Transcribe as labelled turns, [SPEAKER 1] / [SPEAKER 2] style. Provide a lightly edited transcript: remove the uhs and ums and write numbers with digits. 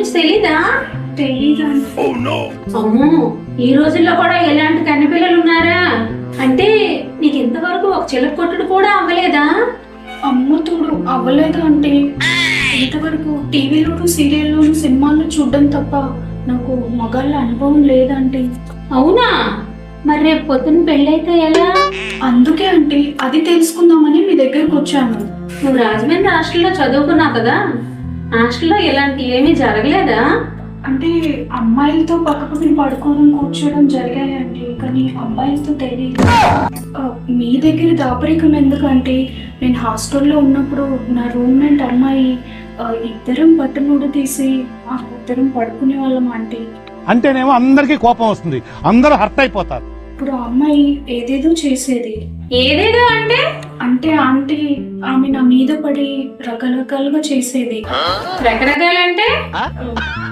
[SPEAKER 1] గురించి తెలీదా?
[SPEAKER 2] తెలీదా?
[SPEAKER 1] అమ్మో, ఈ రోజుల్లో కూడా ఎలాంటి కన్నెపిల్లలు ఉన్నారా? అంటే నీకు ఇంతవరకు ఒక చిలక కొట్టుడు కూడా అవ్వలేదా?
[SPEAKER 2] అమ్మతోడు అవ్వలేదు అంటే ఇంతవరకు టీవీలోను సీరియల్లోను సినిమాల్లో చూడడం తప్ప నాకు మగాళ్ళ అనుభవం లేదంటే.
[SPEAKER 1] అవునా? మరి రేపు పొద్దున్న పెళ్ళైతే ఎలా?
[SPEAKER 2] అందుకే అంటే అది తెలుసుకుందామని మీ దగ్గరకు వచ్చాను.
[SPEAKER 1] నువ్వు రాజమండ్రి హాస్టల్లో చదువుకున్నావు కదా, హాస్టల్లో ఇలాంటి ఏమీ జరగలేదా?
[SPEAKER 2] అంటే అమ్మాయిలతో పక్కపక్కన పడుకోవడం కూర్చోవడం జరిగాయండి, కానీ అబ్బాయిలతో తెలియదు. మీ దగ్గర దాపరికం ఎందుకంటే నేను హాస్టల్లో ఉన్నప్పుడు నా రూమ్మేట్ అమ్మాయి ఇద్దరం బట్టనుడు తీసి ఆ ఇద్దరం పడుకునే వాళ్ళం ఆంటీ.
[SPEAKER 3] అంటేనేమో అందరికీ కోపం వస్తుంది, అందరూ హర్ట్ అయిపోతారు.
[SPEAKER 2] ఇప్పుడు ఆ అమ్మాయి ఏదేదో చేసేది.
[SPEAKER 1] ఏదేదో అంటే?
[SPEAKER 2] అంటే ఆంటీ ఆమె నా మీద పడి రకరకాలుగా చేసేది.
[SPEAKER 1] రకరకాలంటే?